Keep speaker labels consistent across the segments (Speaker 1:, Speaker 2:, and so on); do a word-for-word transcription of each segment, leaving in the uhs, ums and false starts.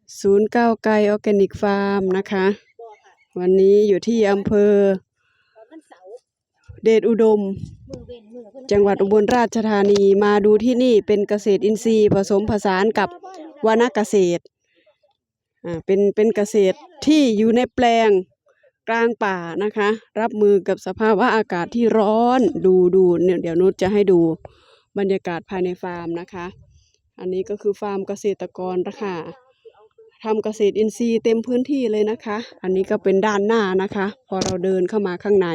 Speaker 1: ศูนย์เก้าไกรออร์แกนิกฟาร์มนะคะวันนี้อยู่ที่อำเภอเดชอุดมจังหวัดอุบลราชธานีมาดูที่นี่เป็นเกษตรอินทรีย์ผสมผสานกับวนาเกษตรอ่าเป็นเป็นเกษตรที่อยู่ในแปลงกลางป่านะคะรับมือกับสภาวะอากาศที่ร้อนดูดูเนี่ยเดี๋ยวนุชจะให้ดูบรรยากาศภายในฟาร์มนะคะอันนี้ก็คือฟาร์มเกษตรกรนะคะทำเกษตรอินทรีย์เต็มพื้นที่เลยนะคะอันนี้ก็เป็นด้านหน้านะคะพอเราเดินเข้ามาข้างใน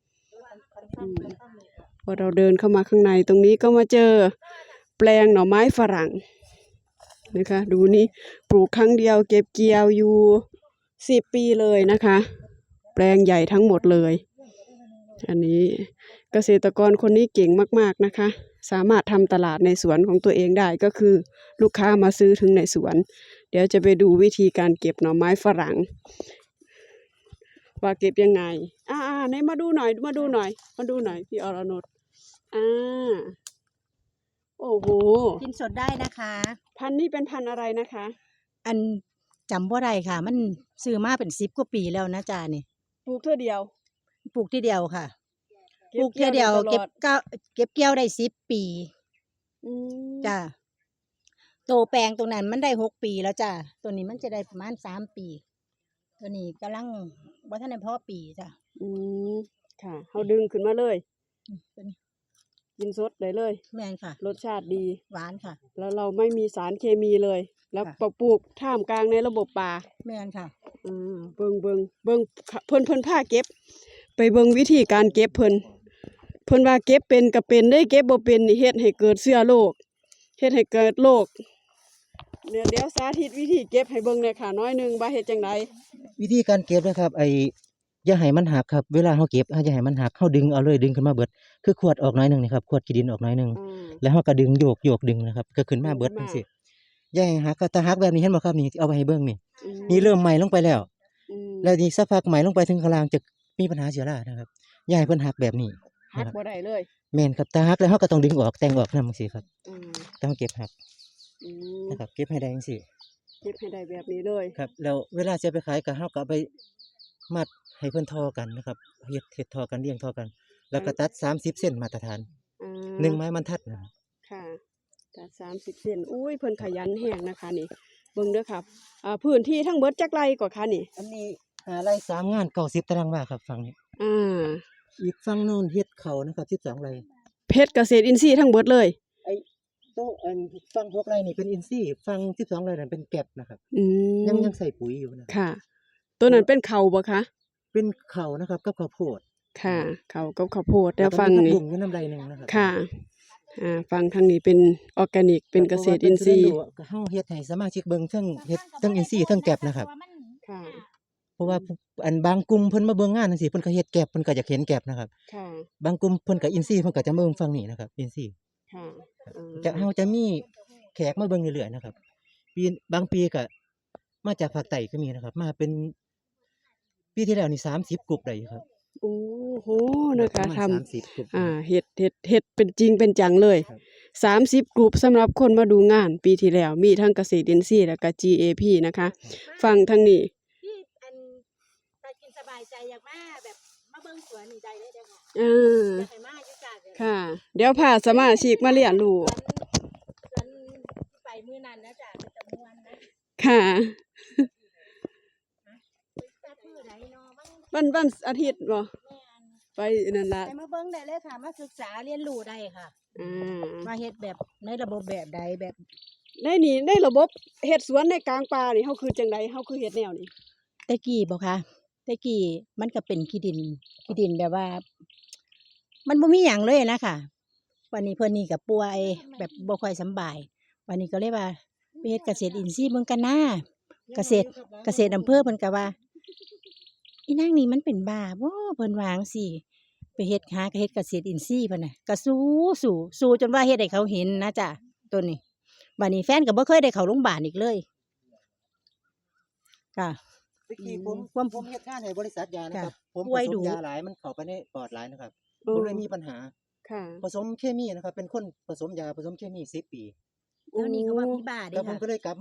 Speaker 1: พอเราเดินเข้ามาข้างในตรงนี้ก็มาเจอแปลงหน่อไม้ฝรั่งนะคะดูนี่ปลูกครั้งเดียวเก็บเกี่ยวอยู่สิบปีเลยนะคะแปลงใหญ่ทั้งหมดเลยอันนี้เกษตรกรคนนี้เก่งมากๆนะคะสามารถทำตลาดในสวนของตัวเองได้ก็คือลูกค้ามาซื้อถึงในสวนเดี๋ยวจะไปดูวิธีการเก็บหน่อไม้ฝรั่งว่าเก็บยังไงอ่าๆไหนมาดูหน่อยมาดูหน่อยมาดูหน่อยพี่อรนุชอ่าโอ้โห
Speaker 2: กินสดได้นะคะ
Speaker 1: พันธุ์นี้เป็นพันธุ์อะไรนะคะ
Speaker 2: อันจำบ่ได้ค่ะมันซื้อมาเป็นสิบกว่าปีแล้วนะจ๊ะนี่
Speaker 1: ปลูกเท่าเดียว
Speaker 2: ปลูกทีเดียวค่ะปลูกทีเดียวเก็บเก้าเก็บเกี่ยวได้สิบปีจ้ะโตแปลงตรงนั้นมันได้หกปีแล้วจ้ะตัวนี้มันจะได้ประมาณสามปีตัวนี้กำลังว่าท่านในพ่อปีจ้ะ
Speaker 1: อืมค่ะเขาดึงขึ้นมาเลยกินสดได้เลย
Speaker 2: แม่นค่ะ
Speaker 1: รสชาติดี
Speaker 2: หวานค่ะ
Speaker 1: แล้วเราไม่มีสารเคมีเลยแล้วปลูกท่ามกลางในระบบป่า
Speaker 2: แม่นค่ะ
Speaker 1: อืมเบิ่งเบิ่งเบิ่งเพิ่นเพิ่นพาเก็บไปเบิ่งวิธีการเก็บเพิ่นเพิ่นว่าเก็บเป็นก็เป็นได้เก็บบ่เป็นนี่เฮ็ดให้เกิดเชื้อโรคเฮ็ดให้เกิดโรคเดี๋ยวเดี๋ยวสาธิตวิธีเก็บให้เบิ่งหน่อยค่ะน้อยนึงว่าเฮ็ดจังได
Speaker 3: วิธีการเก็บนะครับไอ้อย่าให้มันหักครับเวลาเฮาเก็บเฮาอย่าให้มันหักเฮาดึงเอาเลยดึงขึ้นมาเบิดคือขวดออกน้อยนึงนี่ครับขวดขี้ดินออกน้อยนึงแล้วเฮาก็ดึงโยกโยกดึงนะครับก็ขึ้นมาเบิดจังซี่อย่าให้หักก็ถ้าหักแบบนี้เห็นบ่ครับนี่เอาไว้ให้เบิ่งนี่นี่เริ่มไหม้ลงไปแล้วแล้วนี่สักพักไหม้ลงไปถึงข้างล่างจะมีปัญหาเชื้อรานะครับอย่าให้เพิ่นหักแบบนี้
Speaker 1: หักบ่ได้เลย
Speaker 3: แม่นครับถ้าหักแล้วเฮาก็ต้องดึงออกแต่งออกนำจังซี่ครับต้องเก็บหักนะครับเก็บให้ได้จังซี่
Speaker 1: เก็บให้ได้แบบนี้เลย
Speaker 3: ครับแล้วเวลาจะไปขายก็เฮาก็เอาไปมัดให้เพิ่นทอกันนะครับเฮ็ดเฮ็ดทอกันเรียงทอกันแล้วก็ตัดสามสิบเซนมาตรฐานหนึ่งไม้บรรทัดนะครับ
Speaker 1: ค่ะตัดสามสิบเซนอุ้ยเพิ่นขยันแฮงนะคะนี่เบิ่งเด้อครับอ่าพื้นที่ทั้งเบิดจักไร่กว่าคะนี่
Speaker 3: อันนี้ห้าไร่สามงานเก้าสิบตารางวาครับฝั่งนี้
Speaker 1: อ่า
Speaker 3: อีกฝั่งโน้นเฮ็ดเขานะครับสิบสองไร่
Speaker 1: เพชรเกษตรอินทรีย์ทั้งเบิดเลย
Speaker 3: ไอ้โตอันฝั่งหกไร่นี่เป็นอินทรีย์ฝั่งสิบสองไร่นั่นเป็นแก็บนะครับ
Speaker 1: อืม
Speaker 3: ยังยังใส่ปุ๋ยอยู่นะ
Speaker 1: ค่ะตัวนั้นเป็นเขาบ่คะ
Speaker 3: เป็นเขานะครับกับข้าวโพด
Speaker 1: ค่ะเขากับข้าวโพดแล้วฟังนี่
Speaker 3: บุ้งอยู่น้ำไรนึงนะครับ
Speaker 1: ค่ะอ่าฟังทางนี้เป็นออร์แกนิกเป็นเกษตรอินทรีย์
Speaker 3: เฮาเฮ็ดให้สมาชิกเบิ่งเทั้งเฮ็ดเทั้งอินทรีย์เทั้งแก็บนะครับ
Speaker 1: ค่ะ
Speaker 3: เพราะว่าอันบางกลุ่มเพิ่นมาเบิ่งงานจังซี่เพิ่นก็เฮ็ดแก็บเพิ่นก็อยากเห็นแก็บนะครับ
Speaker 1: ค่ะ
Speaker 3: บางกลุ่มเพิ่นก็อินทรีย์เพิ่นก็จะมาเบิ่งฝั่งนี้นะครับอินทรีย์
Speaker 1: ค่ะ
Speaker 3: จะเฮาจะมีแขกมาเบิ่งเรื่อยๆนะครับปีบางปีก็มาจากภาคใต้ก็มีนะครับมาเป็นปีที่แล้วนี่สามสิบกลุ่มได้ครับ
Speaker 1: โอ้โหนะคะทำอ่าเฮ็ดเฮ็ดเฮ็ดเป็นจริงเป็นจังเลยสามสิบกลุ่มสำหรับคนมาดูงานปีที่แล้วมีทั้งเกษตรอินทรีย์แล้วก็ จี เอ พี นะคะฟังทางนี้
Speaker 2: ที่อันถ้ากินสบายใจอยากมาแบบมาเบิ่งสวนนี่ได้เลยเด้อค่ะ
Speaker 1: เออ
Speaker 2: อยากให้มาอยู่จ้ะ
Speaker 1: ค่ะเดี๋ยวพาสมาชิกมาเรียนรู้
Speaker 2: สวนไปมื้อนั้นนะจ้ะจะม่วนนะ
Speaker 1: ค่ะวันวันอาทิตย์บ่ไปนั่นล่ะ
Speaker 2: ไปมาเบิ่งได้เลยค่ะมาศึกษาเรียนรู้ได้ค่ะอืมมาเฮ็ดแบบในระบบแบบใดแบบ
Speaker 1: ในนี่ในระบบเฮ็ดสวนในกลางป่านี่เฮาคือจังได๋เฮาคือเฮ็ดแนวนี้
Speaker 2: แต่กี้บ่คะแต่กี้มันก็เป็นขี้ดินขี้ดินแบบว่ามันบ่มีหยังเลยนะค่ะวันนี้เพิ่นนี่ก็ป่วยแบบบ่ค่อยสำบายวันนี้ก็เลยว่าไปเฮ็ดเกษตรอินทรีย์เบิ่งกันนะเกษตรเกษตรอำเภอเพิ่นก็ว่าอีนางนี่มันเป็นบ้าบ่เพิ่นว่าจังซี่ไปเฮ็ดหาก็เฮ็ดเกษตรอินทรีย์เพิ่นน่ะก็สู้สู้สู้จนว่าเฮ็ดให้เขาเห็นนะจ้ะตัวนี้บัดนี้แฟนก็บ่เคยได้เข้าโรงบาลอีกเลยค่ะ
Speaker 3: เมื่อกี้ผมผมผมเฮ็ดงานให้บริษัทยานะครับผมผสมยาหลายมันเข้าไปในปอดหลายนะครับผมเลยมีปัญหา
Speaker 1: ค่ะ
Speaker 3: ผสมเคมีนะครับเป็นคนผสมยาผสมเคมีสิบปี
Speaker 2: แล้วนี่เขาว่ามีบ้าเด้
Speaker 3: แล้วผมก็เลยกลับมาเฮ็ด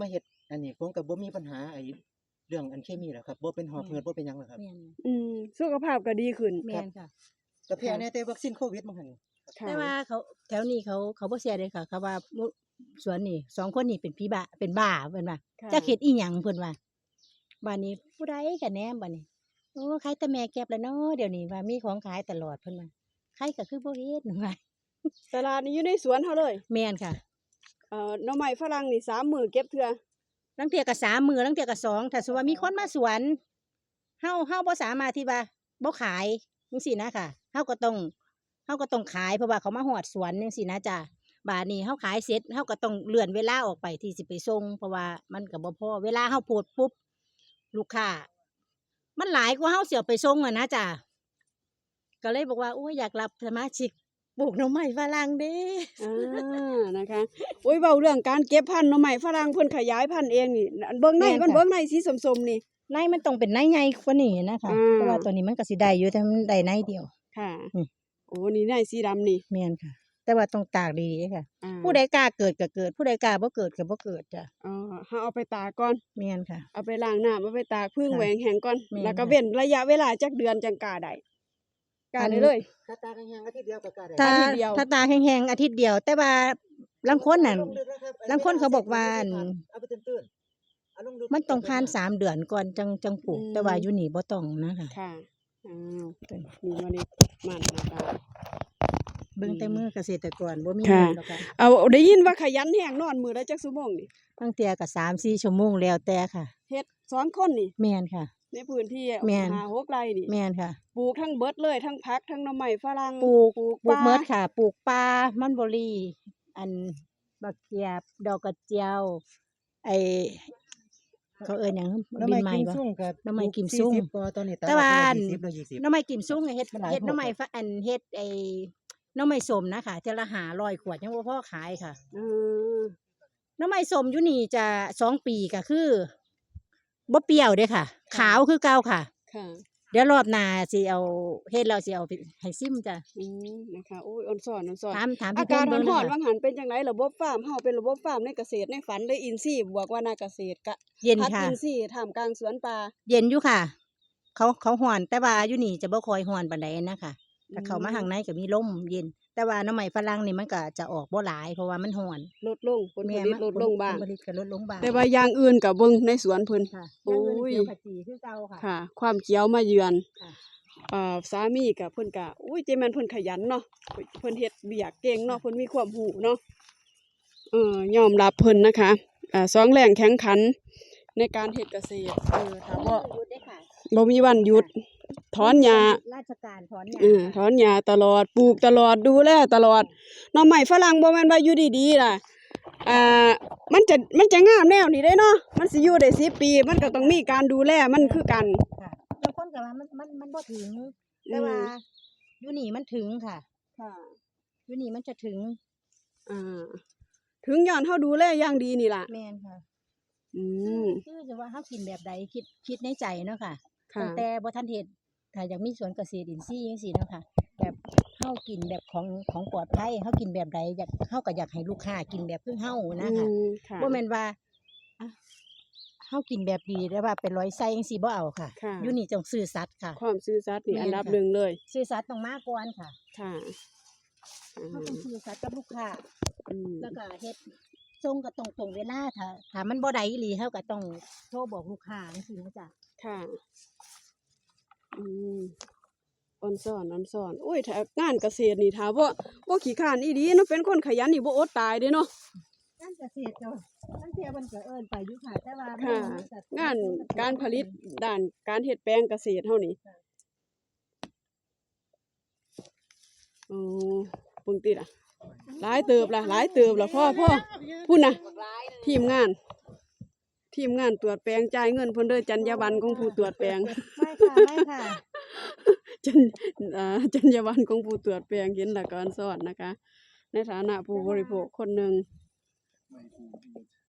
Speaker 3: อันนี้ผมก็บ่มีปัญหาไอ้เรื่องอันเคมีหรอกครับบ่เป็นหอบหืดบ่เป็นหยังหรอกครับ
Speaker 2: แม่น
Speaker 1: อืมสุขภาพก็ดีขึ้น
Speaker 2: แม่นค่ะ
Speaker 3: ก็แพ้แน่แต่วัคซีนโควิดมั้งหั่น
Speaker 1: ค่ะ
Speaker 2: แต่ว่าเขาแถวนี้เขาเขาบ่เสียเลยค่ะเขาว่ามุสวนนี่สองคนนี่เป็นผีบ้าเป็นบ้าเพิ่นว่า
Speaker 1: ค่ะ
Speaker 2: จักเฮ็ดอีหยังเพิ่นว่าบ้านนี้ผู้ใดก็แหนมบัดนี้โอ้ขายแต่แม่แก็บแล้วเนาะเดี๋ยวนี้ว่ามีของขายตลอดเพิ่นว่าใครก็คือบ่เฮ็ดว่า
Speaker 1: ตลาดนี่อยู่ในสวนเฮาเลย
Speaker 2: แม่นค่ะ
Speaker 1: เอ่อหน่อไม้ฝรั่งนี่สามมื้อเก็บเทื่อ
Speaker 2: ลางเทื่อก็สามมื้อลางเทื่อก็สองถ้าสมมุติว่ามีคนมาสวนเฮาเฮาบ่สามารถที่ว่าบ่ขายจังซี่นะค่ะเฮาก็ต้องเฮาก็ต้องขายเพราะว่าเขามาฮอดสวนจังซี่นะจ้ะบาดนี้เฮาขายเสร็จเฮาก็ต้องเลื่อนเวลาออกไปที่สิไปส่งเพราะว่ามันก็บ่พอเวลาเฮาโพดปุ๊บลูกค้ามันหลายกว่าเฮาสิเอาไปส่งอะนะจ้ะก็เลยบอกว่าโอ้ยอยากรับสมาชิกปลูกหน่อไม้ฝรั่งเด้
Speaker 1: อ่านะคะโอ้ยเว้าเรื่องการเก็บพันธุ์หน่อไม้ฝรั่งเพิ่นขยายพันธุ์เองนี่อันเบิ่งใน
Speaker 2: แม่น
Speaker 1: มัน
Speaker 2: ค่ะ
Speaker 1: เบิ่งในสีส้มๆนี่
Speaker 2: ในมันต้องเป็นในใหญ่กว่านี้นะคะ
Speaker 1: อืม
Speaker 2: แต่ว่าตัวนี้มันก็สิได้อยู่แต่มันได้ในเดียว
Speaker 1: ค่ะ
Speaker 2: อืม
Speaker 1: โอ้นี่ในสีดำนี่
Speaker 2: แม่นค่ะ แต่ว่าต้องตากดีๆค่ะ
Speaker 1: อ่า
Speaker 2: ผู้ใดกล้าเกิดก็เกิด ผู้ใดกล้าบ่เกิดก็บ่เกิดจ้ะ
Speaker 1: อ๋อเฮาเอาไปตากก่อน
Speaker 2: แม่นค่ะ
Speaker 1: เอาไปล้างน้ำเอาไปตากพึ่ง
Speaker 2: ค่ะ
Speaker 1: แหวงแห้งก่อน
Speaker 2: แม่น
Speaker 1: แล้วก็
Speaker 2: ค่ะ
Speaker 1: เว้นระยะเวลาจักเดือนจังกล้าได้กล้า
Speaker 2: อัน
Speaker 1: ได้เลย
Speaker 3: ถ้าตาแห้งๆอาทิตย์เดียวก็กล้าได้
Speaker 2: ถ้า
Speaker 1: อาทิตย์เดียว
Speaker 2: ถ้าตากแห้งๆอาทิตย์เดียว แต่ว่าลางคนน่ะ
Speaker 3: ลงลึกนะครับ
Speaker 2: ลางคนเขาบอกว่าอัน
Speaker 3: เอาไปตื้นๆเอาลงลึก
Speaker 2: มันต้องผ่านสามเดือนก่อนจังจังปลูก
Speaker 1: อืม
Speaker 2: แต่ว่าอยู่นี่บ่ต้องนะคะ
Speaker 1: ค่ะอ้าว
Speaker 2: ตัวนี้
Speaker 1: นี่มานี่มันนะคะ
Speaker 2: เบิ่งแต่มือเกษตรกรบ่มี
Speaker 1: ค่ะ
Speaker 2: เงินหรอกค่ะ
Speaker 1: เอาได้ยินว่าขยันแห้งนอนมื้อละจักชั่วโมงนี่
Speaker 2: ตั้งแต่ก็สามสี่ชั่วโมงแล้วแต่ค่ะ
Speaker 1: เฮ็ดสองคนนี่
Speaker 2: แม่นค่ะ
Speaker 1: ในพื้นที่
Speaker 2: แม่น
Speaker 1: ห้าหกไร่นี่
Speaker 2: แม่นค่ะ
Speaker 1: ปลูกทั้งเบิดเลยทั้งผักทั้งหน่อไม้ฝรั่ง
Speaker 2: ปลูก
Speaker 1: ปลูก
Speaker 2: ปลูก
Speaker 1: ปา
Speaker 2: เมิดค่ะ ปลูกปลามันเบอรี่ อันบักเกียบ ดอกกระเจียว ไอเขาเอิ้นหยัง
Speaker 3: หน้ำ
Speaker 2: บิ
Speaker 3: ไม้
Speaker 2: นไม้
Speaker 3: กิม
Speaker 2: บ่
Speaker 3: ซุ่งก็
Speaker 2: หน่อไม้กิมซุ่ง
Speaker 3: สี่สิบกว่าตอนนี้
Speaker 2: แต่ว่า
Speaker 3: ยี่สิบแล้วยี่สิบ
Speaker 2: หน่อไม้กิมซุงเฮ็ด
Speaker 3: มันหลาย
Speaker 2: เฮ็ดหน่อไม้
Speaker 3: โพด
Speaker 2: ฝอันเฮ็ดไอหน่อไม้ส้มนะคะเทื่อละห้าร้อยขวดยังบ่พอขายค่ะ
Speaker 1: เออ
Speaker 2: หน่อไม้ส้มอยู่นี่จะสองปีก็คือบ่เปรี้ยวเด้อค่ะ ขาวคือเก่าค่ะ
Speaker 1: ค่ะ
Speaker 2: เดี๋ยวรอบหน้าสิเอาเฮ็ดแล้วสิเอาไปให้ซิมจ้ะ
Speaker 1: อืมนะคะโอ้ยอ่อนสอนอ่อนสอน
Speaker 2: ถามถาม
Speaker 1: อา
Speaker 2: พี่
Speaker 1: กาศ
Speaker 2: เพิ่นเบิ่ง
Speaker 1: ร้อนๆ
Speaker 2: นะ
Speaker 1: ว่า
Speaker 2: คะ
Speaker 1: งหันเป็นจังไดระบบฟาร์มเฮาเป็นระบบฟาร์มในเกษตรในฝันเลยอินทรีย์บวกว่านาเกษตรกะ
Speaker 2: เย็น
Speaker 1: พัด
Speaker 2: ค่ะ
Speaker 1: อินทรีย์ท่ามกลางสวนป่า
Speaker 2: เย็นอยู่ค่ะ เขาเขาฮ้อนแต่ว่าอยู่นี่จะบ่ค่อยฮ้อนปานใดนะคะถ้าเข้ามา
Speaker 1: อืม
Speaker 2: ข้างในก็มีลมเย็น แต่ว่าหน่อไม้ฝรั่งนี่มันก็จะออกบ่หลายเพราะว่ามันฮ้อน
Speaker 1: ลดลงผลผลิตลดลงบ้าง
Speaker 2: ผลผลิตก็ลดลงบ้าง
Speaker 1: แต่ว่าอย่างอื่นก็เบิ่งในสวนเพิ่น
Speaker 2: ค่ะ
Speaker 1: โอ้ย
Speaker 2: อย่างอื่นเขียวขจีคือเก่าค่ะ
Speaker 1: ค่ะ ความเขียวมาเยือน
Speaker 2: ค่ะ
Speaker 1: เอ่อสามีกับเพิ่นก็อุ้ยเจแม่นเพิ่นขยันเนาะเพิ่นเฮ็ดเบียกเก่งเนาะเพิ่นมีความรู้เนาะเออยอมรับเพิ่นนะคะอ่าสองแรงแข่งขันในการเฮ็ดเกษตรเออถ้าบ่
Speaker 2: หยุดได้ค่ะ
Speaker 1: บ่มีวันหยุดถอนหญ้า
Speaker 2: ราชการถอนหญ้า
Speaker 1: เออถอนหญ้าตลอดปลูกตลอดดูแลตลอดหน่อไม้ฝรั่งบ่แม่นว่าอยู่ดีๆล่ะอ่ามันจะมันจะงามแนวนี้ได้เนาะมันสิอยู่ได้สิบปี มันก็ต้องมีการดูแลมันคือกัน
Speaker 2: ค่ะบางคนก็ว่ามันมันมันบ่ถึง แต่ว่าอยู่นี่มันถึงค่ะ
Speaker 1: ค่ะ
Speaker 2: อยู่นี่มันจะถึง
Speaker 1: อ่าถึงย้อนเฮาดูแลอย่างดีนี่ล่ะ
Speaker 2: แม่นค่ะ
Speaker 1: อืม
Speaker 2: คือจะว่าเฮากินแบบใดคิดคิดในใจเนาะค่ะ
Speaker 1: ค่ะ
Speaker 2: ตั้งแต่บ่ทันเฮ็ดถ้าอยากมีสวนเกษตรอินทรีย์จังซี่เนาะค่ะ แบบเฮากินแบบของของปลอดภัยเฮากินแบบใดอยากเฮาก็อยากให้ลูกค้ากินแบบคือเฮานะคะ
Speaker 1: อืมค่ะ
Speaker 2: บ่แม่นว่าอ่ะเฮากินแบบดีแต่ว่าเป็นร้อยไส้จังซี่บ่เอาค่ะ
Speaker 1: ค่ะ
Speaker 2: อยู่นี่ต้องซื่อสัตย์ค่ะ
Speaker 1: ความซื่อสัตย์นี่
Speaker 2: แม่น
Speaker 1: อันดับ
Speaker 2: ค่ะ
Speaker 1: หนึ่งเลย
Speaker 2: ซื่อสัตย์ต้องมาก่อนค่ะ
Speaker 1: ค่ะอ่
Speaker 2: เฮา
Speaker 1: า
Speaker 2: ต้องซื่อสัตย์กับลูกค้า
Speaker 1: อืม
Speaker 2: แล้วก็เฮ็ดส่งก็ต้องตรงเวลาถ้าถ้ามันบ่ได้อีหลีเฮาก็ต้องโทรบอกลูกค้าจังซี่นะจ๊ะ
Speaker 1: ค่ะอืมอ่อนสอนอ่อนสอนโอ้ยถ้างานเกษตรนี่ถ้าบ่บ่ขี้ข้านอีหลีเนาะเป็นคนขยันนี่บ่อดตายเด้เนาะ
Speaker 2: งานเกษตรก็ทั้งเที่ยมันก็เอิ้นไปอยู่ค่ะ แต่ว่า
Speaker 1: ค่ะ
Speaker 2: มันก็
Speaker 1: งานการผลิตด้านการเฮ็ดแปลงเกษตรเฮานี่อ๋อเบิ่งติล่ะหลายเติบล่ะหลายเติบล่ะพ่อพ่อพุ่นน่ะ ทีมงาน ทีมงานตรวจแปลงจ่ายเงินเพิ่นเด้อจรรยาบรรณของผู้ตรวจแปลง
Speaker 2: ไม่ค่ะไม่ค่ะ
Speaker 1: จรรอ่าจรรยาบรรณของผู้ตรวจแปลงเห็นหลักการสอนนะคะ ในฐานะผู้บริโภคคนหนึ่ง